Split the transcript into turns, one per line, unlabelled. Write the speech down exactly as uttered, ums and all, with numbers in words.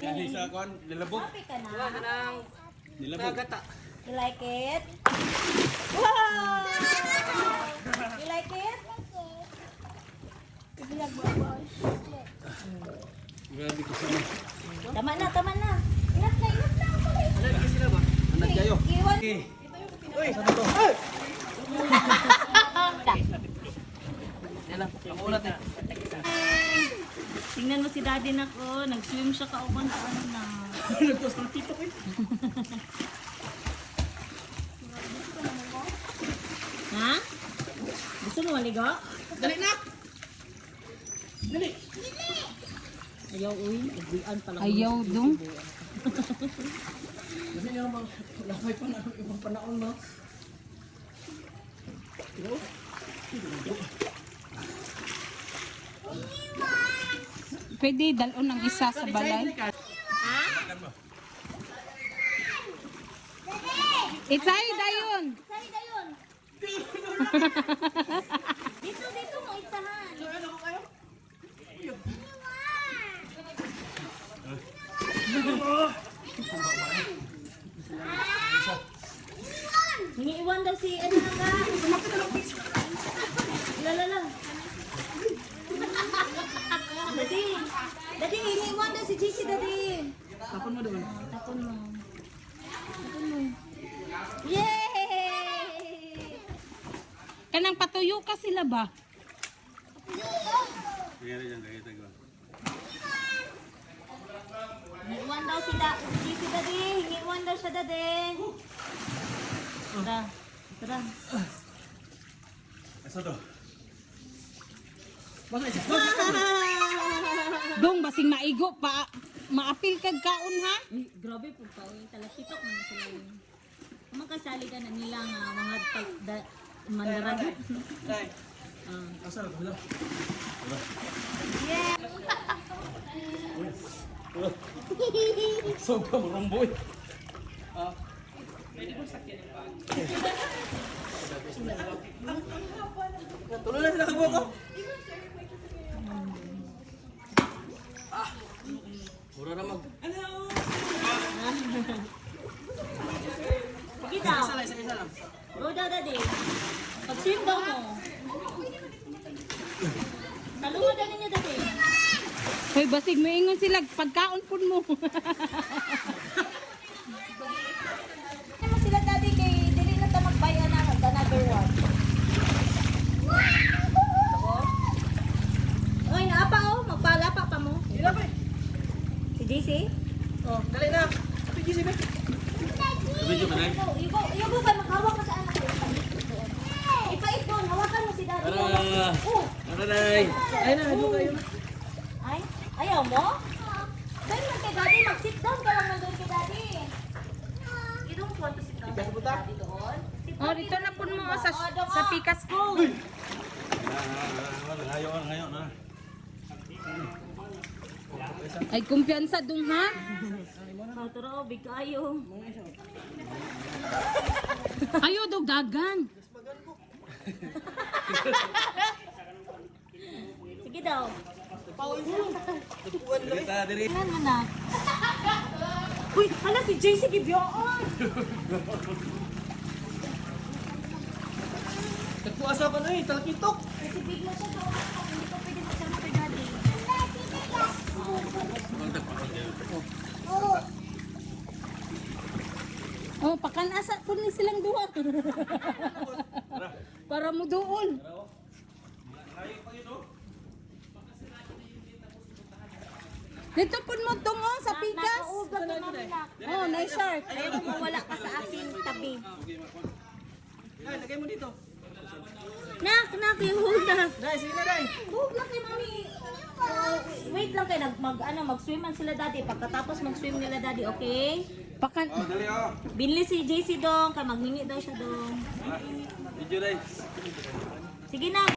Kasi sa kon, nilabog.
Happy ka na?
Nilabog.
You like it? Wow! You like it?
Grabe ko sana.
Tama na, tama na. Ingat na, ingat na.
Anak kayo.
Iwan.
Uy, sa to? Yan lang, ako ulat eh.
Tingnan mo si daddy na ko. Nag-swim siya kauban sa ano na.
Nagtos ng tito ko eh.
Ha? Gusto mo maligo?
Dali na! Dali!
Ayaw, uy. Agwian pala.
Ayaw dong.
Dali nga mga lamay pa na ibang panahon no? Ito?
Pwede dalon ng isa sa balay.
Ha?
Itsay dayon.
Sari na yun. Dito, dito mo isahan. Hiniiwan daw si ano na ka? Lalala. Dadi. Dadi, hiniiwan daw si J C, dadi.
Tapon mo doon.
Tapon mo. Tapon mo. Yay!
Kanang patuyo ka sila ba?
Kaya rin yan, kaya tayo.
Hiniiwan daw si da si J C, dadi. Hiniiwan daw siya, dadi. Tara. Tara.
Asa to? Basta isa.
Dong basing maigo pa maapil kag kaon ha.
Uy, grabe po pa. Uy, talakitok man sila yun. Kung magkasali ka na nila nga mga tag- da- mandarag.
Dai.
Ah.
Asa to? Hala.
Yeah!
So ka mo romboy. Ah. Tuloy na sila kagbo ko. Ah. Mura na mag.
Sige daw.
Isa lang, isa isa lang.
Go daw, daddy. Pag-swim daw mo. Talungan daw ninyo, daddy.
Hoy basig moingon sila pagkaon pud mo.
Ano mo sila, daddy, kay dili na ta magbayan na mag another one. Oy, naapa oh. Magpalapa pa mo.
Ila ba?
Si J C?
Oh, dali na. Ate Gisi ba? Video ka na.
Ibo, ibo ka maghawak ka sa anak ko. Ipait doon, hawakan mo si daddy.
Tara.
Oh,
Tara dai. Ay na, ano kayo na?
ay, ayaw mo? Doon lang kay daddy, mag-sit down ka lang nandun kay daddy. You don't want to sit down kay daddy doon? Sit
Oh
down
dito na pud mo
doon.
sa
Oh, doon
sa
mo.
pikas ko.
Ngayon, ngayon na.
Ay kumpiyansa dong ha.
Oh, tara, big kayo.
Ayo dog dagan.
Sige daw.
Dito, diri.
Tingnan mo na. Uy, hala si J C Gibyoon.
Nagpuasa ka na eh, talakitok.
Kasi big na siya doon. Hindi ko pwede magsama kay daddy.
Oh pakanasa pud ni silang duha. Para mo duol. Dito pud mo tungo sa pikas.
Nakaugat ka namin na.
Oh, nice shark.
Ayaw mo wala ka sa aking tabi.
Dai, lagay mo dito.
Nak, nak, yung hug na.
Dai, sige na dai.
Hug na kay mami. Uh, wait lang kayo, nag, mag, ano, mag-swimman sila daddy. Pagkatapos mag-swim nila daddy, okay?
Pakan
Oh, dali oh.
Binili si J C dong, kaya maghingi daw siya dong.
Video dai.
Sige na.